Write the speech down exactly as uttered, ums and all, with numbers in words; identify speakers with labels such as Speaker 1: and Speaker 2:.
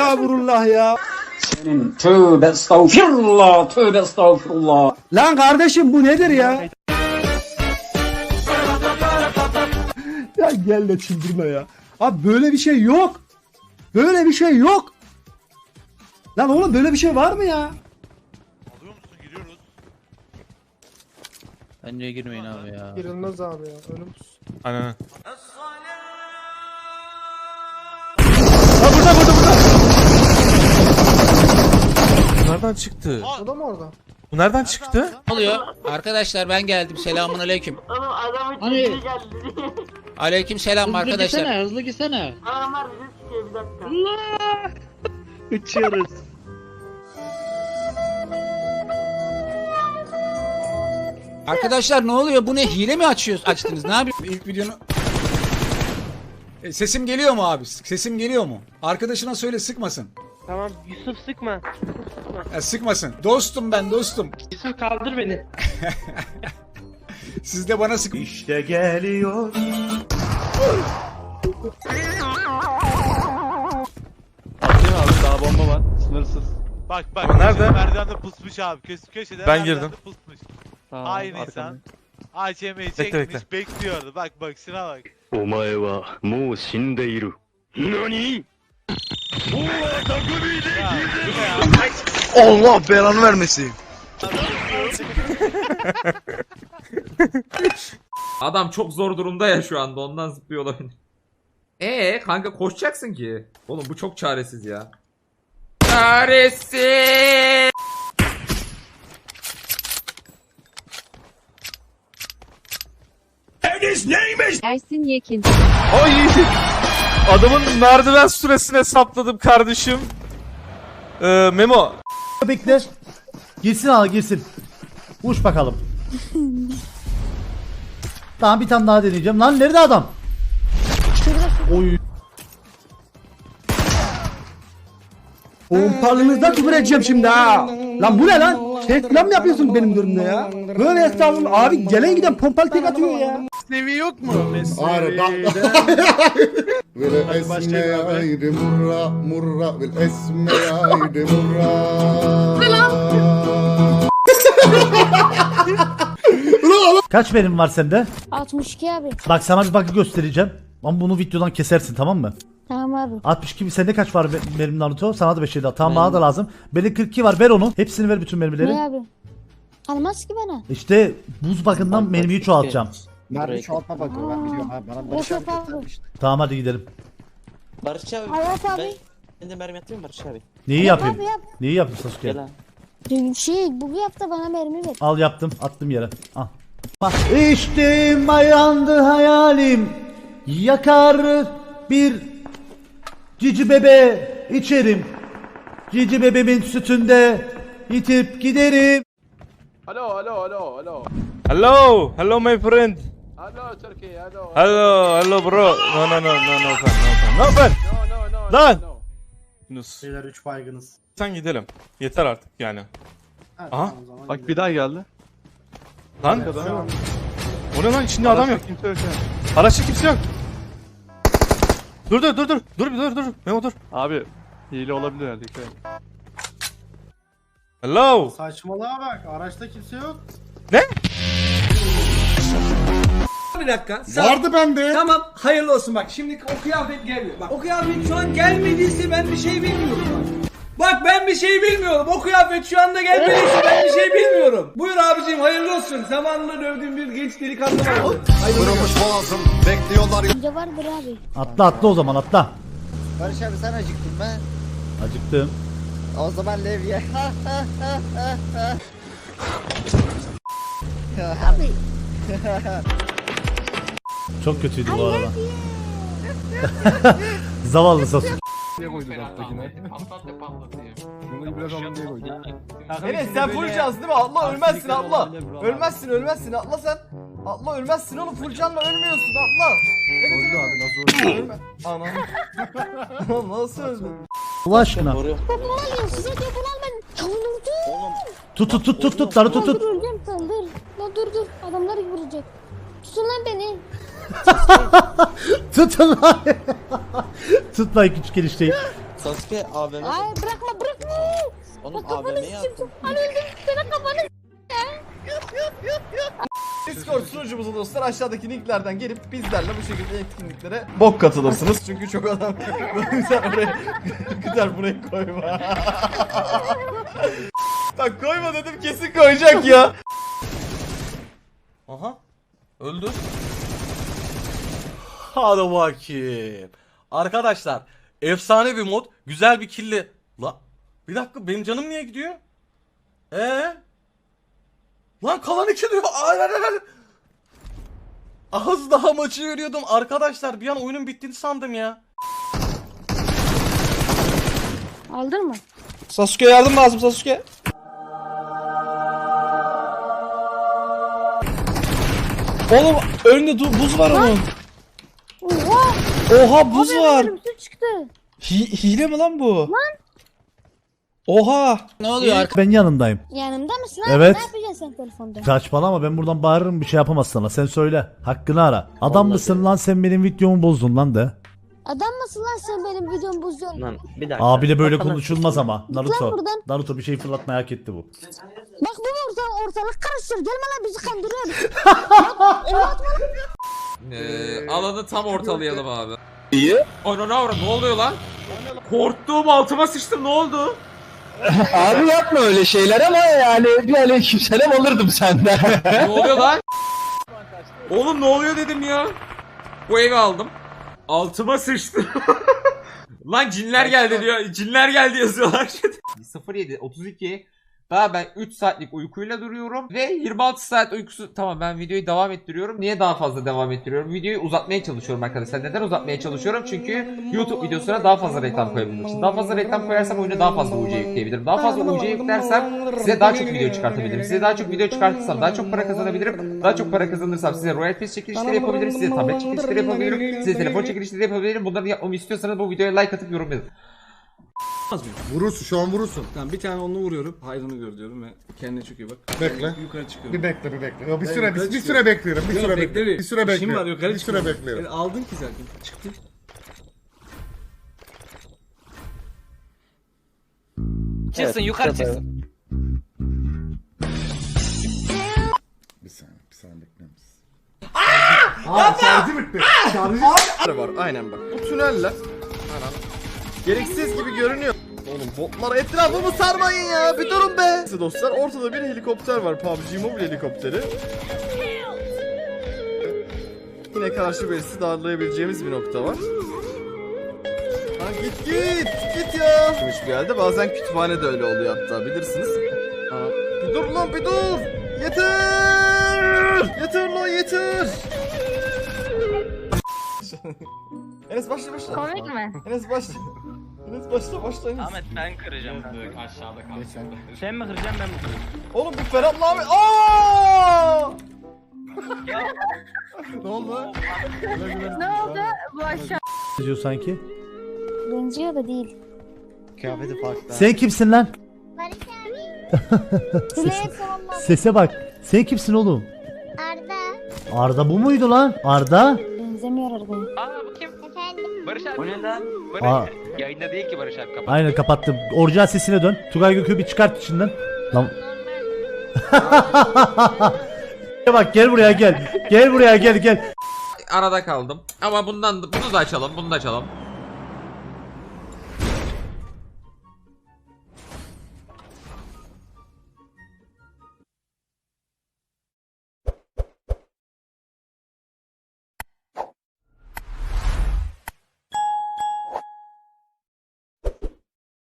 Speaker 1: Estağfurullah ya.
Speaker 2: Senin tövbe estağfirullah, tövbe estağfirullah.
Speaker 1: Lan kardeşim bu nedir ya? Ya gel de çıldırma ya. Abi böyle bir şey yok. Böyle bir şey yok. Lan oğlum böyle bir şey var mı ya?
Speaker 3: Alıyor musun? Giriyoruz.
Speaker 4: Bence girmeyin abi ya.
Speaker 5: Girilmez abi ya. Önüm.
Speaker 6: Aynen.
Speaker 1: Ha burada burada burada.
Speaker 6: Bu nereden çıktı?
Speaker 5: O da mı orada?
Speaker 6: Bu nereden çıktı?
Speaker 4: Ne oluyor? Arkadaşlar ben geldim. Selamun aleyküm.
Speaker 7: Oğlum adamın
Speaker 8: Hani-
Speaker 7: hani... geldi.
Speaker 4: Aleyküm selam
Speaker 8: Hızlı
Speaker 4: arkadaşlar.
Speaker 8: gitsene, hızlı gitsene.
Speaker 7: Adamlar bizi sıkıyor bir dakika.
Speaker 8: Allah! Uçuyoruz.
Speaker 4: Arkadaşlar ne oluyor? Bu ne? Hile mi açıyoruz? Açtınız. Ne yapıyorsunuz? İlk videonu... E, sesim geliyor mu abi? Sesim geliyor mu? Arkadaşına söyle sıkmasın.
Speaker 8: Tamam Yusuf sıkma.
Speaker 4: E, sıkmasın. Dostum ben dostum.
Speaker 8: Yusuf kaldır beni.
Speaker 4: Siz de bana sık...
Speaker 9: İşte geliyor.
Speaker 10: Atayım abi, daha bomba var. Sınırsız.
Speaker 3: Bak bak.
Speaker 6: Ama nerede?
Speaker 3: köşede Merdivende pusmuş abi. Köş köşede
Speaker 6: Ben
Speaker 3: merdivende
Speaker 6: girdim.
Speaker 3: Pusmuş.
Speaker 10: Tamam,
Speaker 3: Aynı
Speaker 10: arkamda.
Speaker 3: insan. A Ç M'yi
Speaker 6: Bekle,
Speaker 3: çekmiş
Speaker 6: bekle.
Speaker 3: bekliyordu. Bak bak şuna bak.
Speaker 9: お前はもう死んでいる。何
Speaker 3: Ya, bu ne ya?
Speaker 10: Allah belanı vermesin.
Speaker 11: Adam çok zor durumda ya şu anda ondan zıplıyor olabilir. Ee kanka koşacaksın ki. Oğlum bu çok çaresiz ya. Çaresiz.
Speaker 12: Ersin Yekin.
Speaker 6: Ay! Adamın merdiven süresini hesapladım kardeşim. Ee, Memo.
Speaker 1: Bekle. Girsin al girsin. Uç bakalım. Tamam bir tane daha deneyeceğim. Lan nerede adam? Oy. Pompalınızda küfür edeceğim şimdi ha. Lan bu ne lan? Reklam mı yapıyorsun benim durumda ya? Böyle estağfurullah abi gelen giden pompalı tek atıyor ya.
Speaker 5: Sevi yok mu?
Speaker 1: Hayır bak.
Speaker 5: Esme yaydı
Speaker 1: murra murra vel esme yaydı murra. Kaç benim var sende?
Speaker 12: altmış iki abi.
Speaker 1: Bak sana bir bakı göstereceğim. Ama bunu videodan kesersin tamam mı?
Speaker 12: Tamam abi.
Speaker 1: altmış iki sende kaç var be- benim Naruto? Sana da beş daha. Tamam bana da lazım. Benim kırk iki var ver onu. Hepsini ver bütün mermileri.
Speaker 12: Ne abi? Almaz ki bana.
Speaker 1: İşte buz bakımından mermiyi çoğaltacağım.
Speaker 4: Mermi çoğaltma bakıyor ben biliyorum abi. Bana
Speaker 12: Yok yok abi.
Speaker 1: Tamam hadi gidelim.
Speaker 4: Barış abi.
Speaker 12: Hayat abi.
Speaker 4: Ben de mermi atayım Barış abi.
Speaker 1: Neyi
Speaker 12: Yap
Speaker 1: yapayım?
Speaker 12: abi yap.
Speaker 1: Neyi yapayım Sasuke?
Speaker 12: Şey bu yap da bana mermi ver.
Speaker 1: Al yaptım. Attım yere. Al. Bak içtim yandı hayalim. Yakar bir cici bebe içerim. Cici bebemin sütünde itip giderim.
Speaker 10: Alo alo alo alo.
Speaker 6: Hello, hello my friend.
Speaker 10: Alo Turkey alo.
Speaker 6: Hello, hello bro. No no no no no fan, no fan. No fan.
Speaker 10: No no no.
Speaker 6: Lan!
Speaker 10: no.
Speaker 6: Yunus.
Speaker 5: Beyler üç baygınız.
Speaker 6: Sen gidelim. Yeter artık yani. Aha.
Speaker 10: Bak bir daha geldi.
Speaker 6: Lan.
Speaker 10: Adam.
Speaker 6: O ne lan içinde adam yok.
Speaker 10: Kimse yok ya.
Speaker 6: Araçta kimse yok. Dur dur dur dur. Dur bir dur dur. Memo dur.
Speaker 10: Abi hile olabilir herhalde. dikkat et.
Speaker 6: Hello.
Speaker 5: Saçmalığa bak. Araçta kimse yok.
Speaker 1: Bir dakika. Vardı bende. Tamam hayırlı olsun bak şimdi o kıyafet geliyor. Bak o kıyafet şu an gelmediyse ben bir şey bilmiyorum bak. Bak ben bir şey bilmiyorum. O kıyafet şu anda gelmediyse ben bir şey bilmiyorum. Buyur abicim hayırlı olsun. Zamanında dövdüğüm bir genç delikanlı vardı.
Speaker 9: boğazım bekliyorlar.
Speaker 12: Bence vardır abi.
Speaker 1: Atla atla o zaman atla.
Speaker 4: Barış abi sen acıktın be.
Speaker 1: Acıktım.
Speaker 4: O zaman levye.
Speaker 12: Abi.
Speaker 1: Çok kötüydü bu arada. Zavallı Sasuke.
Speaker 10: Niye koydun alttakine? Bunu biraz alın diye koydum.
Speaker 5: Evet sen full cansın değil mi? Atla ölmezsin atla. Ölmezsin ölmezsin atla sen. Atla ölmezsin oğlum full canla ölmüyorsun atla. Evet
Speaker 10: Öldü abi nasıl öldü?
Speaker 5: ölme. Anam. Oğlum nasıl öldün?
Speaker 1: Allah aşkına.
Speaker 12: Bunu alın size diyor bunu al ben. Ya dur dur.
Speaker 1: Tut tut tut tut tut Naruto
Speaker 12: Lan
Speaker 1: tut.
Speaker 12: dur öleceğim sen dur. Lan dur dur. Adamlar vuracak. Tutun lan beni.
Speaker 1: Tutun lan. Tut lan küçük enişteyi.
Speaker 13: Sasuke A V M.
Speaker 12: Ay bırakma bırakma.
Speaker 13: Onun
Speaker 12: Bak kafanı
Speaker 13: A V M'yi
Speaker 12: s**tim.
Speaker 13: attım.
Speaker 12: Hani öldüm. Senin kafanı s**tim.
Speaker 5: Discord sunucumuza dostlar aşağıdaki linklerden gelip bizlerle bu şekilde etkinliklere bok katılırsınız. Çünkü çok adam sen oraya gider buraya koyma. Bak koyma dedim kesin koyacak ya. Aha öldü.
Speaker 6: Hadi bakayım. Arkadaşlar efsane bir mod. Güzel bir killi. La bir dakika benim canım niye gidiyor? Ee? Lan kalan iki diyor. Ay, ay, ay, ay. Az daha maçı veriyordum. Arkadaşlar bir an oyunun bittiğini sandım ya.
Speaker 12: Aldın mı?
Speaker 13: Sasuke yardım lazım Sasuke. Oğlum önünde du- buz var onun.
Speaker 12: Oha.
Speaker 13: Oha buz
Speaker 12: Abi,
Speaker 13: var.
Speaker 12: ölümsüz çıktı.
Speaker 13: Hi- hile mi lan bu?
Speaker 12: Lan.
Speaker 13: Oha.
Speaker 4: Ne oluyor?
Speaker 14: Ben yanındayım.
Speaker 12: Yanımda mısın abi?
Speaker 14: Evet.
Speaker 12: Ne yapacaksın sen telefonda?
Speaker 14: Saçmalama, ben buradan bağırırım, bir şey yapamaz sana. Sen söyle. Hakkını ara. Adam mısın lan sen, benim videomu bozdun lan de.
Speaker 12: Adam mısın lan sen benim videomu bozuyorsun?
Speaker 13: Lan bir dakika.
Speaker 14: Abi de böyle
Speaker 13: Bakalım.
Speaker 14: konuşulmaz ama.
Speaker 12: lan
Speaker 14: Naruto.
Speaker 12: buradan.
Speaker 14: Naruto bir şey fırlatmaya hak etti bu.
Speaker 12: Bak bu orta, ortalık karıştır. Gelme lan bizi kandırıyor.
Speaker 11: Ee, alanı tam ortalayalım abi. İyi. Ana ne avra ne oluyor lan? Korktuğum altıma sıçtım ne oldu?
Speaker 13: Abi yapma öyle şeyler ama yani bir aleykümselam alırdım senden.
Speaker 11: Ne oluyor lan? Oğlum ne oluyor dedim ya. Bu evi aldım. Altıma sıçtım. Lan cinler geldi diyor. Cinler geldi yazıyorlar. sıfır yedi otuz iki. Daha ben üç saatlik uykuyla duruyorum ve yirmi altı saat uykusu. Tamam ben videoyu devam ettiriyorum. Niye daha fazla devam ettiriyorum? Videoyu uzatmaya çalışıyorum arkadaşlar. Neden uzatmaya çalışıyorum? Çünkü YouTube videosuna daha fazla reklam koyabilmek için. Daha fazla reklam koyarsam oyuna daha fazla U C yükleyebilirim. Daha fazla U C yüklersem size daha çok video çıkartabilirim. Size daha çok video çıkartırsam daha çok para kazanabilirim. Daha çok para kazanırsam size Royal Pass çekilişleri yapabilirim. Size tablet çekilişleri yapabilirim. Size telefon çekilişleri yapabilirim. Bunları yapmamı istiyorsanız bu videoya like atıp yorum yazın.
Speaker 1: Vurursun şu an vurursun. Tamam bir tane onu vuruyorum. Hayrını gör diyorum ve kendine çok iyi bak.
Speaker 6: Bekle.
Speaker 1: Yukarı çıkıyorum.
Speaker 6: Bir bekle bir bekle. Yo, bir
Speaker 1: Ben
Speaker 6: süre
Speaker 1: yukarı
Speaker 6: bir, bir
Speaker 1: çıkıyorum.
Speaker 6: süre bekliyorum. Bir
Speaker 1: Yok,
Speaker 6: süre
Speaker 1: bekle
Speaker 6: bekliyorum.
Speaker 1: bir.
Speaker 6: Bir süre
Speaker 1: İşim
Speaker 6: bekliyorum.
Speaker 1: var yukarı
Speaker 6: Bir süre
Speaker 1: çıkıyorum.
Speaker 6: bekliyorum.
Speaker 1: E, aldın ki zaten. Çıktı.
Speaker 13: Çıksın yukarı çıksın.
Speaker 6: Bir saniye, bir saniye bekler misin? Aa! Şarjı bitti. Şarjı
Speaker 5: Var aynen bak. Bu tüneller. Anam. Gereksiz gibi görünüyor. Oğlum botlar etrafımı sarmayın ya. Bir durun be. Neyse dostlar ortada bir helikopter var. P U B G Mobile helikopteri. Yine karşı birisi darlayabileceğimiz bir nokta var. Ha git git git ya. Bir yerde bazen kütüphane de öyle oluyor hatta bilirsiniz. Ha, bir dur lan bir dur. Yeter. Yeter lan yeter. Enes başla başla.
Speaker 12: Komik mi?
Speaker 5: Enes başla. Enes başla başla Enes.
Speaker 8: Ahmet ben kıracağım. Aşağıda kalsın. Sen mi kıracaksın ben mi kıracağım?
Speaker 5: Oğlum bu Ferhat'la abi. Aaaa! Ne oldu?
Speaker 12: Ne oldu? Bu aşağı.
Speaker 14: Diyor sanki.
Speaker 12: Benziyor da değil.
Speaker 13: Kıyafeti farklı.
Speaker 14: Sen kimsin lan?
Speaker 12: Barış abi. Dilek savunma.
Speaker 14: Sese bak. Sen kimsin oğlum?
Speaker 12: Arda.
Speaker 14: Arda bu muydu lan? Arda?
Speaker 12: Benzemiyor Arda'ya.
Speaker 8: Aa bu kim?
Speaker 12: Efendim?
Speaker 8: Barış abi.
Speaker 13: O ne lan?
Speaker 14: Aa,
Speaker 8: Yayında değil ki Barış abi kapat.
Speaker 14: aynen kapattım. Orijinal sesine dön. Tugay Gökü bir çıkart içinden. Lan. Bak gel buraya gel. Gel buraya gel gel.
Speaker 11: Arada kaldım. Ama bundan bunu da açalım. Bunu da açalım.